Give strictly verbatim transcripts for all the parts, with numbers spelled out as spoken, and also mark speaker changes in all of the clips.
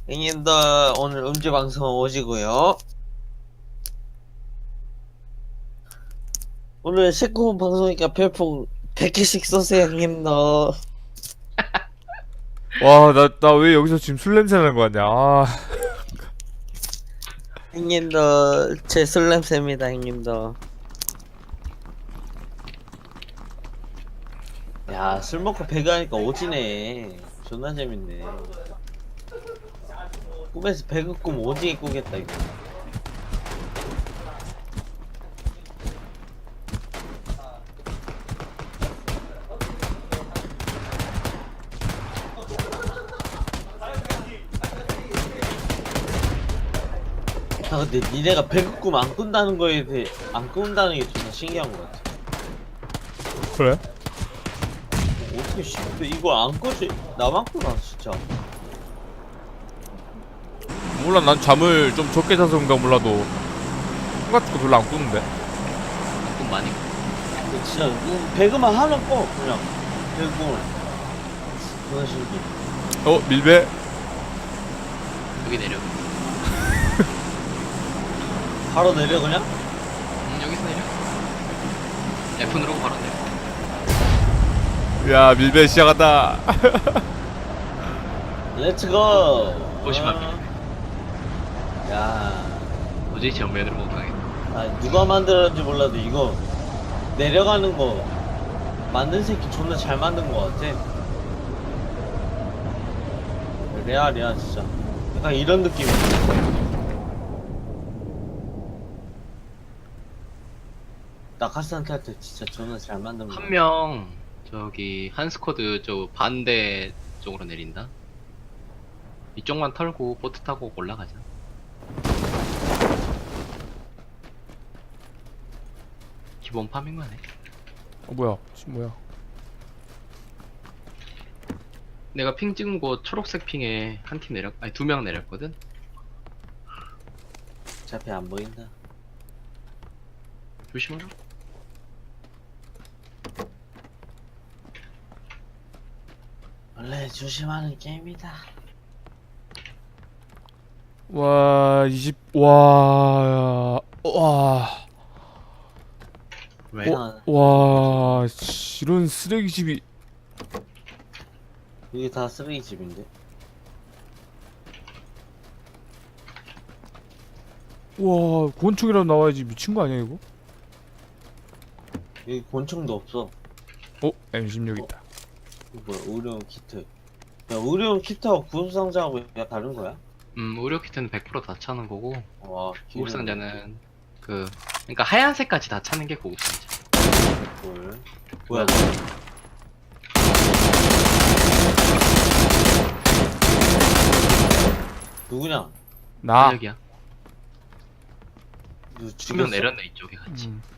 Speaker 1: 형님들 오늘 음주 방송 오시고요. 오늘 십구 분 방송이니까 별풍 백 개씩 쏘세요 형님들.
Speaker 2: 와, 나, 나 왜 여기서 지금 술 냄새 나는 거 같냐. 아,
Speaker 1: 형님들 제 술 냄새입니다 형님들. 야, 술 먹고 배가 하니까 오지네. 존나 재밌네. 꿈에서 배그 꿈 오지게 꾸겠다 이거. 아 근데 니네가 배그 꿈 안 꾼다는 거에 대해 안 꾼다는 게 존나 신기한 것 같아.
Speaker 2: 그래?
Speaker 1: 어떻게 쉽게 이걸 안 꾸지? 나만 꾸나 진짜.
Speaker 2: 몰라, 난 잠을 좀 적게 자서 그런가 몰라도 꿈 같은 거 별로 안 꾸는데.
Speaker 3: 돈 많이
Speaker 1: 근데 진짜 음, 배그만 하면 꿔 그냥 배그 꿈을. 존나 신기해.
Speaker 2: 어, 밀배?
Speaker 3: 여기 내려.
Speaker 1: 바로 내려 그냥?
Speaker 3: 음, 여기서 내려. F 누르고 바로 내려.
Speaker 2: 야, 밀배 시작한다.
Speaker 1: 렛츠고.
Speaker 3: 오십만
Speaker 1: 야,
Speaker 3: 도저히 정면으로 못 가겠네.
Speaker 1: 아, 누가 만들었는지 몰라도 이거 내려가는 거 만든 새끼 존나 잘 만든 거 같아. 레알이야 진짜. 약간 이런 느낌. 낙하산 탈 때 진짜 존나 잘 만든 거.
Speaker 3: 한 명 저기 한 스쿼드 저 반대 쪽으로 내린다. 이쪽만 털고 보트 타고 올라가자. 기본 파밍만 해.
Speaker 2: 어, 뭐야, 지금 뭐야.
Speaker 3: 내가 핑 찍은 곳 초록색 핑에 한 팀 내렸, 아니 두 명 내렸거든.
Speaker 1: 어차피 안 보인다.
Speaker 3: 조심하라.
Speaker 1: 원래 조심하는 게임이다.
Speaker 2: 와, 이십, 와, 와,
Speaker 3: 왜?
Speaker 1: 어?
Speaker 2: 와, 씨, 이런 쓰레기집이.
Speaker 1: 이게 다 쓰레기집인데.
Speaker 2: 와, 권총이라도 나와야지. 미친 거 아니야, 이거?
Speaker 1: 여기 권총도 없어.
Speaker 2: 어, 엠 십육 있다.
Speaker 1: 이거 뭐야? 의료용 키트. 야, 의료용 키트하고 구급상자하고 야 다른 거야?
Speaker 3: 음, 의료 키트는 백 퍼센트 다 차는 거고
Speaker 1: 와,
Speaker 3: 고급상자는 그 그러니까 하얀색까지 다 차는 게 고급상자.
Speaker 1: 뭘? 뭐야? 누구냐?
Speaker 2: 나.
Speaker 3: 여기야.
Speaker 1: 누
Speaker 3: 두 명
Speaker 1: 죽였어?
Speaker 3: 내렸네 이쪽에 같이.
Speaker 2: 음.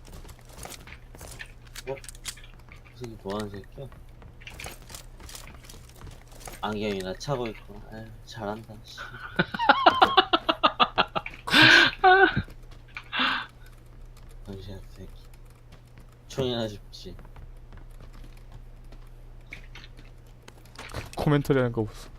Speaker 1: 이 새끼 뭐하는 새끼야? 안경이나 차고 있고. 에휴, 잘한다. 씨. 정신 새끼. 총이나 줍지.
Speaker 2: 코멘터리 하는 거 보소.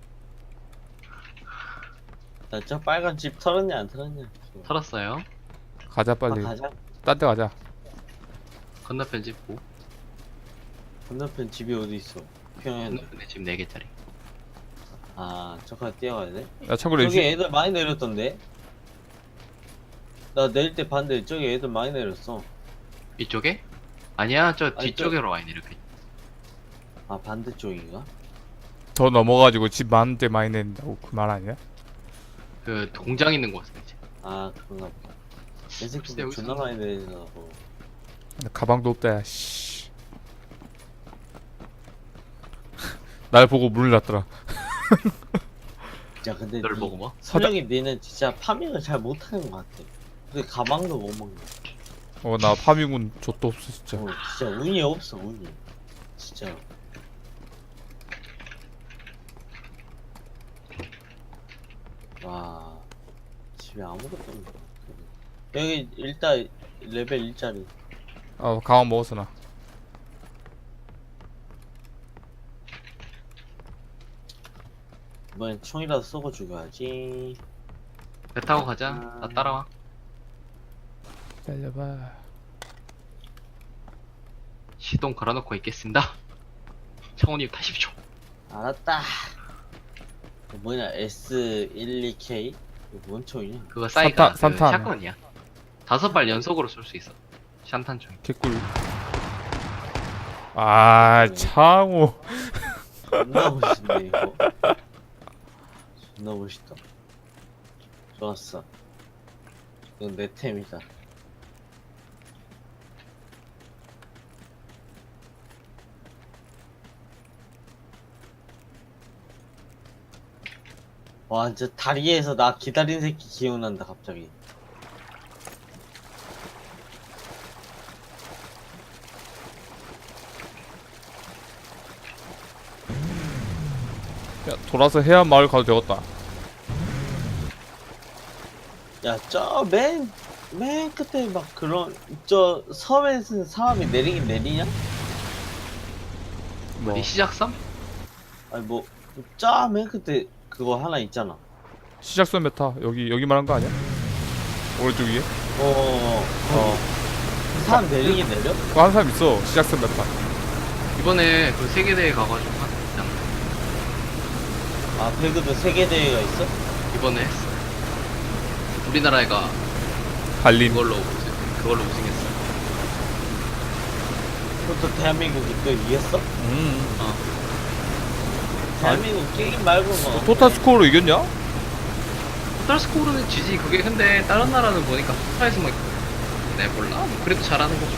Speaker 1: 나 저 빨간 집 털었냐 안 털었냐?
Speaker 3: 털었어요.
Speaker 2: 가자,
Speaker 1: 아,
Speaker 2: 빨리.
Speaker 1: 가자.
Speaker 2: 딴 데 가자.
Speaker 3: 건너편 집고.
Speaker 1: 건너편 집이 어디 있어? 평양에.
Speaker 3: 건너편에 집 네 개짜리.
Speaker 1: 아, 저까지 뛰어가야 돼?
Speaker 2: 야, 참고로
Speaker 1: 저기
Speaker 2: 이
Speaker 1: 애들 많이 내렸던데? 나 내릴 때 봤는데 저기 애들 많이 내렸어.
Speaker 3: 이쪽에? 아니야, 저
Speaker 1: 아니,
Speaker 3: 뒤쪽으로 와 있네 이렇게.
Speaker 1: 아, 반대쪽인가?
Speaker 2: 더 넘어가지고 집 많은 데 많이 낸다고 그 말 아니야?
Speaker 3: 그 공장 있는 곳은 이제.
Speaker 1: 아, 그런가 보다. 내
Speaker 3: 글쎄,
Speaker 1: 새끼들
Speaker 3: 여기서-
Speaker 1: 존나 많이 내리더라고.
Speaker 2: 나 가방도 없다, 야, 씨. 날 보고 문을 닫더라.
Speaker 1: 야, 근데
Speaker 3: 널
Speaker 1: 니-
Speaker 3: 보고 뭐?
Speaker 1: 설령이 니는 진짜 파밍을 잘 못하는 것 같아. 근데 가방도 못 먹네.
Speaker 2: 어, 나 파밍은 좆도 없어, 진짜.
Speaker 1: 어, 진짜 운이 없어, 운이. 진짜. 와, 집에 아무것도 없네. 여기 일단 레벨 일짜리.
Speaker 2: 어, 가방 먹었어, 나.
Speaker 1: 이번엔 총이라도 쏘고 죽여야지.
Speaker 3: 배 타고 가자. 나 따라와.
Speaker 2: 달려봐.
Speaker 3: 시동 걸어놓고 있겠습니다. 창호님 타십시오.
Speaker 1: 알았다. 이거 뭐냐 에스 십이 케이? 이거 뭔 총이냐?
Speaker 3: 그거 사이가
Speaker 2: 산탄,
Speaker 3: 그
Speaker 2: 산탄.
Speaker 3: 샷건이야. 다섯 발 연속으로 쏠 수 있어. 샨탄총.
Speaker 2: 개꿀. 아, 창호.
Speaker 1: 존나 멋있네 이거. 존나 멋있다. 좋았어. 이건 내 템이다. 와, 진짜 다리에서 나 기다린 새끼 기억난다 갑자기.
Speaker 2: 야, 돌아서 해안 마을 가도 되겠다.
Speaker 1: 야, 저 맨, 맨 끝에 막 그런, 저 섬에서 사람이 내리긴 내리냐?
Speaker 2: 뭐,
Speaker 3: 어디 시작섬?
Speaker 1: 아니 뭐, 저 맨 끝에 그거 하나 있잖아.
Speaker 2: 시작선 메타. 여기, 여기 말한 거 아니야? 오른쪽 위에?
Speaker 1: 어,
Speaker 2: 어.
Speaker 1: 사람 내리긴 내려?
Speaker 2: 그거 한 사람 있어. 시작선 메타.
Speaker 3: 이번에 그 세계대회 가가지고 했잖아.
Speaker 1: 아, 배그도 세계대회가 있어?
Speaker 3: 이번에 했어. 우리나라가
Speaker 2: 갈린.
Speaker 3: 그걸로 우승, 그걸로 우승했어.
Speaker 1: 그것도 대한민국이 또 이겼어?
Speaker 2: 음.
Speaker 3: 어.
Speaker 1: 대한민국 게임 말고 뭐.
Speaker 2: 토탈 스코어로 이겼냐?
Speaker 3: 토탈 스코어는 지지. 그게 근데 다른 나라는 보니까 토탈에서 뭐 내 몰라. 뭐 그래도 잘하는 거죠.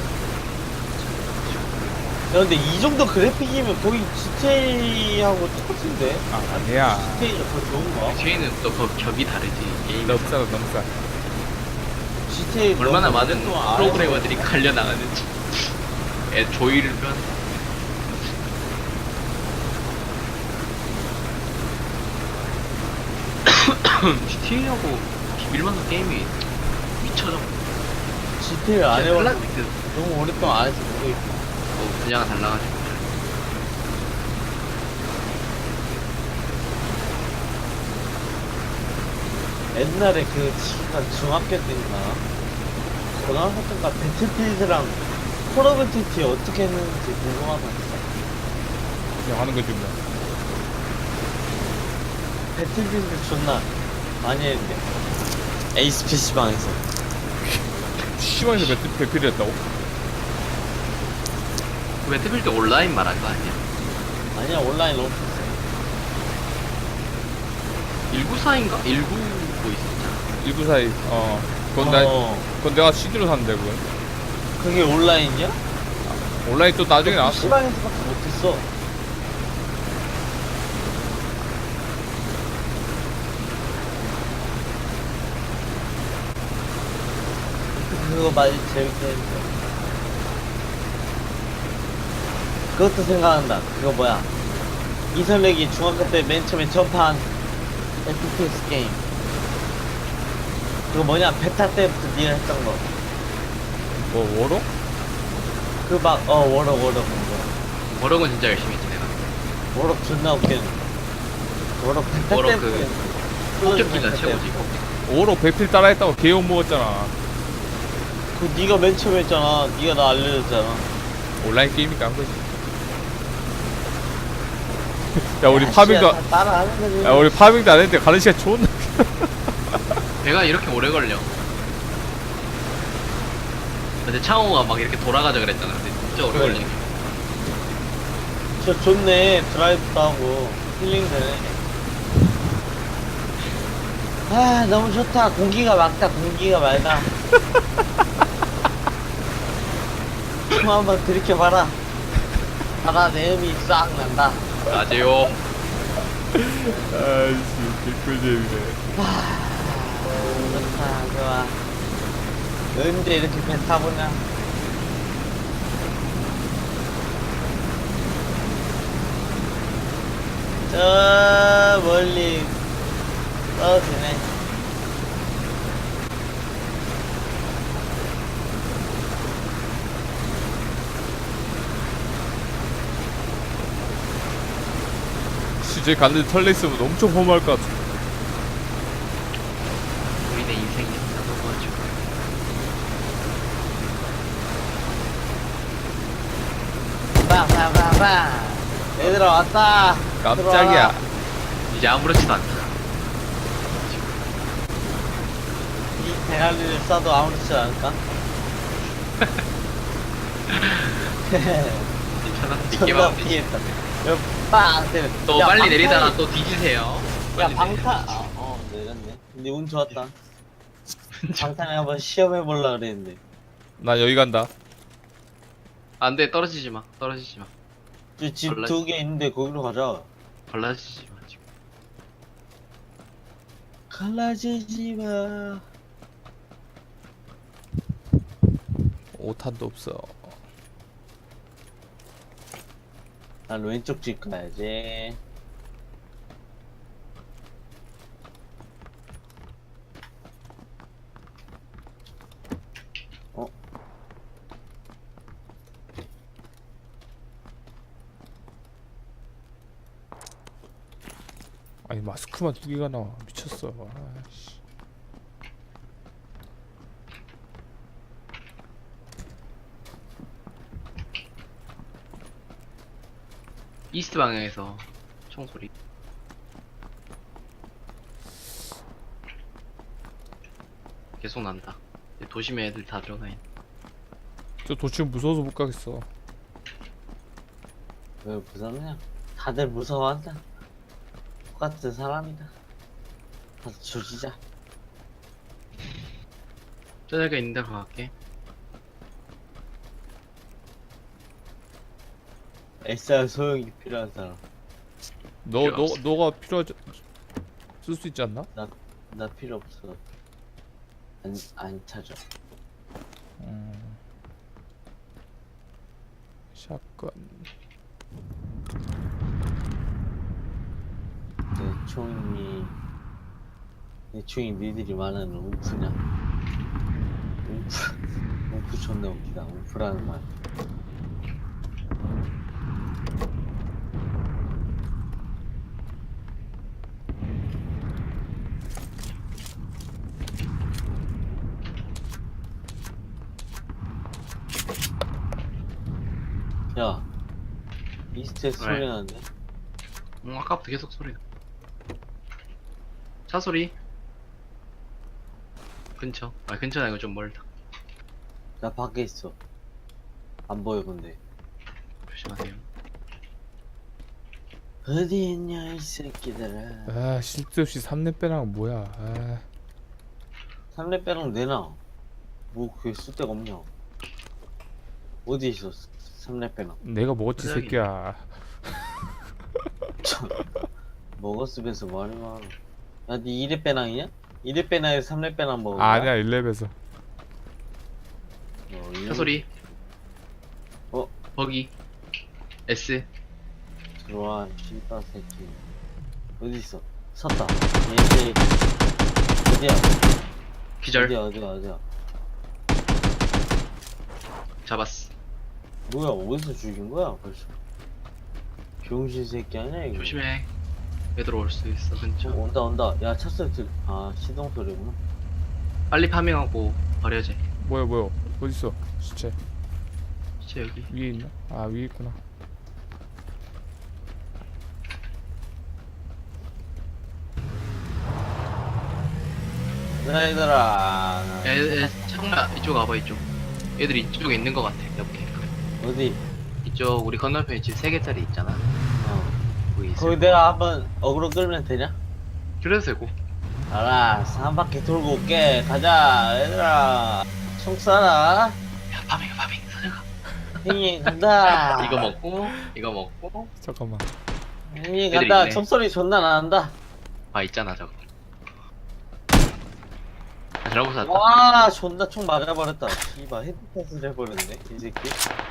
Speaker 1: 야, 근데 이 정도 그래픽이면 거의 지티에이하고 똑같은데?
Speaker 2: 아, 아니야.
Speaker 1: 지티에이가 더 좋은가?
Speaker 3: 뒤에는 또 그 격이 다르지. 게임.
Speaker 2: 너무 싸다, 너무 싸.
Speaker 1: 지티에이
Speaker 3: 얼마나
Speaker 1: 너무
Speaker 3: 많은
Speaker 1: 좀 알아서-
Speaker 3: 프로그래머들이 갈려 나가는지. 애 조이를 편. 지티에이하고 비빌만한 게임이 미쳐져.
Speaker 1: 지티에이 안 해봤어.
Speaker 3: 클라스
Speaker 1: 너무 오랫동안 안 해서 모르겠어.
Speaker 3: 뭐 분야가 달라가지고.
Speaker 1: 옛날에 그 지금 중학교 때인가 고등학교 때인가 배틀필드랑 콜 오브 듀티 어떻게 했는지 궁금하다 진짜.
Speaker 2: 그냥 하는 거지, 뭐.
Speaker 1: 배틀필드 존나 많이 했는데 에이스 피시방에서.
Speaker 2: 시원해서 배틀, 배틀이 했다고?
Speaker 3: 그 배틀필드 온라인 말한 거 아니야?
Speaker 1: 아니야 온라인 너무 비싸.
Speaker 3: 일구사인가? 일구 뭐 있었잖아.
Speaker 2: 일부 사이, 어. 그건, 나,
Speaker 1: 어,
Speaker 2: 그건 내가 씨디로 샀는데, 그건.
Speaker 1: 그게 온라인이야?
Speaker 2: 온라인 또 나중에 나왔어.
Speaker 1: 피시방에서밖에 못했어. 그거 많이 재밌게 했는데. 그것도 생각난다. 그거 뭐야? 이설렉이 중학교 때 맨 처음에 접한 에프피에스 게임. 그거 뭐냐? 베타 때부터 니가 했던 거.
Speaker 2: 뭐, 워로?
Speaker 1: 그 막, 어, 워럭, 워럭, 워럭.
Speaker 3: 워럭은 진짜 열심히 했지 내가.
Speaker 1: 워럭 존나 웃겼는데. 워럭 베타
Speaker 3: 워럭
Speaker 1: 때부터.
Speaker 3: 그
Speaker 1: 했는데.
Speaker 3: 폭격기가
Speaker 1: 베타
Speaker 3: 최고지.
Speaker 1: 때부터.
Speaker 2: 워로 배필 따라했다고 개욕 먹었잖아.
Speaker 1: 그 니가 맨 처음에 했잖아. 니가 나 알려줬잖아.
Speaker 2: 온라인 게임이니까 한 거지. 야, 우리
Speaker 1: 야,
Speaker 2: 파밍도,
Speaker 1: 씨야, 다 따라하는 거지.
Speaker 2: 야, 우리 파밍도 안 했는데 가는 시간 존나.
Speaker 3: 배가 이렇게 오래 걸려. 근데 창호가 막 이렇게 돌아가자 그랬잖아. 근데 진짜 오래
Speaker 1: 그래.
Speaker 3: 걸리네.
Speaker 1: 저 좋네. 드라이브도 하고 힐링되네. 아 너무 좋다. 공기가 맑다. 공기가 맑아. 총 한번 들이켜봐라. 바다 내음이 싹 난다.
Speaker 3: 맞아요.
Speaker 2: 아이씨, 개꿀잼이네.
Speaker 1: 좋다. 좋아. 언제 이렇게 배 타보냐. 저 멀리 떨어지네.
Speaker 2: 저기 갔는데 털려 있으면 엄청 허무할 것 같아.
Speaker 3: 우리네 인생이 나도 도와줘.
Speaker 1: 빵빵빵빵. 얘들아 왔다.
Speaker 2: 깜짝이야.
Speaker 3: 이제 아무렇지도 않다.
Speaker 1: 이 대가리를 쏴도 아무렇지 않을까?
Speaker 3: 괜찮아.
Speaker 1: 존나
Speaker 3: 믿기만
Speaker 1: 피했다. 여기 빵 때려.
Speaker 3: 또
Speaker 1: 야,
Speaker 3: 빨리
Speaker 1: 방탄-
Speaker 3: 내리다가 또 뒤지세요.
Speaker 1: 야
Speaker 3: 빨리
Speaker 1: 방탄.
Speaker 3: 내리세요.
Speaker 1: 아, 어 내렸네. 근데 운 좋았다. 방탄에 한번 시험해 볼라 그랬는데.
Speaker 2: 나 여기 간다.
Speaker 3: 안돼 떨어지지 마. 떨어지지 마.
Speaker 1: 집
Speaker 3: 원래-
Speaker 1: 두 개 있는데 거기로 가자.
Speaker 3: 갈라지지 마 지금.
Speaker 1: 갈라지지 마.
Speaker 2: 오탄도 없어.
Speaker 1: 난 왼쪽 집 가야지. 어?
Speaker 2: 아니 마스크만 두 개가 나와. 미쳤어. 아씨.
Speaker 3: 이스트 방향에서 총소리. 계속 난다. 이제 도심에 애들 다 들어가 있네.
Speaker 2: 저 도치면 무서워서 못 가겠어.
Speaker 1: 왜 무섭냐? 다들 무서워한다. 똑같은 사람이다. 가서 조지자.
Speaker 3: 저녁에 있는 데로 갈게.
Speaker 1: 에스알 소형이 필요한 사람.
Speaker 2: 너
Speaker 3: 필요
Speaker 2: 너
Speaker 3: 없어.
Speaker 2: 너가 필요하지 쓸 수 있지 않나?
Speaker 1: 나 필요 없어. 안, 안 찾아.
Speaker 2: 음. 샷건.
Speaker 1: 내 총이, 내 총이 니들이 말하는 움프냐? 움프, 움프 존나 웃기다. 움프라는 말. 야, 이스트에서
Speaker 3: 왜?
Speaker 1: 소리 나는데?
Speaker 3: 응, 아까부터 계속 소리 나. 차 소리. 근처. 아 근처는 아니고 좀 멀다.
Speaker 1: 나 밖에 있어. 안 보여, 근데.
Speaker 3: 조심하세요.
Speaker 1: 어디 있냐, 이 새끼들아.
Speaker 2: 아 쓸데없이 삼 렙 빼랑 뭐야. 아.
Speaker 1: 삼렙 빼랑 내놔. 뭐, 그게 쓸데가 없냐. 어디 있어, 삼렙 빼랑.
Speaker 2: 내가 먹었지
Speaker 3: 여기.
Speaker 2: 새끼야.
Speaker 1: 먹었으면서 말이 많아. 야, 니 이 렙 빼랑이냐? 이 렙 빼랑에서 삼 렙 빼랑 먹은 거야?
Speaker 2: 아니야 일 렙에서.
Speaker 1: 어, 이
Speaker 3: 차 소리.
Speaker 1: 어?
Speaker 3: 버기. S.
Speaker 1: 들어와, 씨발 새끼. 어디 있어? 섰다. 얘, 얘. 어디야?
Speaker 3: 기절.
Speaker 1: 어디야, 어디야, 어디야.
Speaker 3: 잡았어.
Speaker 1: 뭐야, 어디서 죽인 거야, 벌써? 병신 새끼 아니야, 이거?
Speaker 3: 조심해. 애들 올 수 있어 근처.
Speaker 1: 어, 온다, 온다. 야, 차 소리 들, 아, 시동 소리구나.
Speaker 3: 빨리 파밍하고 버려야지.
Speaker 2: 뭐야 뭐야 어디 있어 시체
Speaker 3: 진짜 여기.
Speaker 2: 위에 있나? 아 위에 있구나.
Speaker 1: 야, 얘들아.
Speaker 3: 애, 애, 잠깐만 이쪽 와봐 이쪽. 애들 이쪽에 있는 것 같아. 옆에.
Speaker 1: 어디?
Speaker 3: 이쪽 우리 건너편에 집 세 개짜리 있잖아.
Speaker 1: 어.
Speaker 3: 거기 있어.
Speaker 1: 거기 내가 한번 어그로 끌면 되냐?
Speaker 3: 그래도 되고.
Speaker 1: 알았어, 한 바퀴 돌고 올게. 가자, 얘들아. 총 쏴라.
Speaker 3: 야 파밍 파밍 사자가.
Speaker 1: 형님 간다.
Speaker 3: 이거 먹고 이거 먹고.
Speaker 2: 잠깐만.
Speaker 1: 형님
Speaker 3: 애들
Speaker 1: 간다.
Speaker 3: 있네.
Speaker 1: 총소리 존나 나는다.
Speaker 3: 아 있잖아 저거. 아, 잘못 샀다.
Speaker 1: 와, 존나 총 맞아버렸다. 씨발, 헤드샷을 해버렸네, 이 새끼.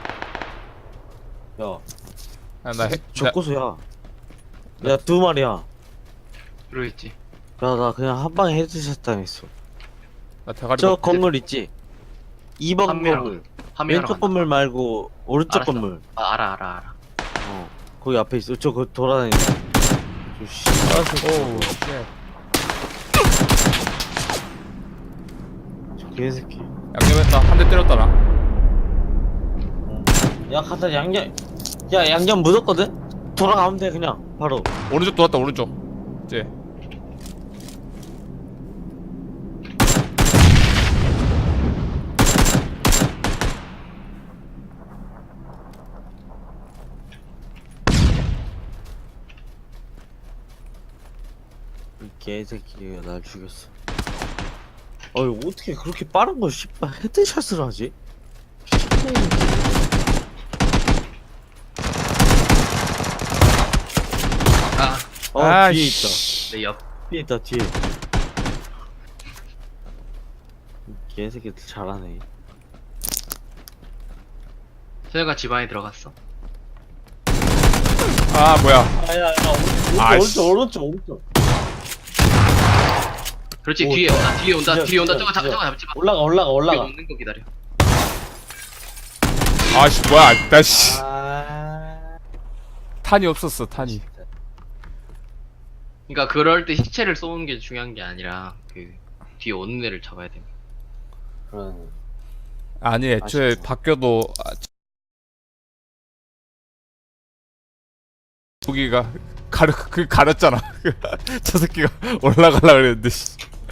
Speaker 1: 야,
Speaker 2: 아나
Speaker 1: 적고수야. 야, 두 마리야.
Speaker 3: 그러겠지.
Speaker 1: 야, 나 그냥 한 방에 헤드샷 당했어.
Speaker 2: 나 대가리
Speaker 1: 저
Speaker 2: 먹-
Speaker 1: 건물 있지? 이 번
Speaker 3: 판매하러
Speaker 1: 건물.
Speaker 3: 파밍하러
Speaker 1: 왼쪽
Speaker 3: 간다.
Speaker 1: 건물 말고, 오른쪽
Speaker 3: 알았어.
Speaker 1: 건물.
Speaker 3: 아, 알아 알아 알아.
Speaker 1: 어, 거기 앞에 있어. 저, 거 돌아다닌다. 저 씨발 새끼.
Speaker 2: 오우 쉣.
Speaker 1: 저 개새끼.
Speaker 2: 양념했다. 한 대 때렸다 나.
Speaker 1: 야, 가서 양념. 야, 양념 묻었거든? 돌아가면 돼, 그냥. 바로.
Speaker 2: 오른쪽 돌았다 오른쪽. 이제.
Speaker 1: 이 개새끼가 날 죽였어. 어이, 어떻게 그렇게 빠른 걸 씨발 헤드샷을 하지?
Speaker 3: 아,
Speaker 1: 어,
Speaker 2: 아,
Speaker 1: 뒤에
Speaker 2: 씨.
Speaker 3: 내 옆.
Speaker 1: 있다. 뒤에 있다, 뒤에. 이 개새끼들 잘하네.
Speaker 3: 소녀가 집 안에 들어갔어.
Speaker 2: 아 뭐야.
Speaker 1: 아, 야, 야, 오른쪽,
Speaker 2: 아이씨.
Speaker 1: 오른쪽, 오른쪽, 오른쪽.
Speaker 3: 그렇지,
Speaker 1: 오,
Speaker 3: 뒤에
Speaker 1: 진짜.
Speaker 3: 온다, 뒤에 온다,
Speaker 1: 진짜,
Speaker 3: 뒤에 온다.
Speaker 1: 진짜,
Speaker 3: 저거 잡,
Speaker 1: 진짜.
Speaker 3: 저거 잡지 마.
Speaker 1: 올라가, 올라가,
Speaker 3: 뒤에
Speaker 1: 올라가.
Speaker 3: 오는 거 기다려.
Speaker 2: 아씨 뭐야. 나씨.
Speaker 1: 아,
Speaker 2: 탄이 없었어 탄이.
Speaker 1: 진짜.
Speaker 3: 그러니까 그럴 때 시체를 쏘는 게 중요한 게 아니라 그 뒤에 오는 애를 잡아야 돼.
Speaker 1: 그런.
Speaker 2: 아니 애초에
Speaker 1: 아쉽다.
Speaker 2: 바뀌어도 아, 여기가 가르 그 가렸잖아. 저 새끼가 올라가려 그랬는데 씨.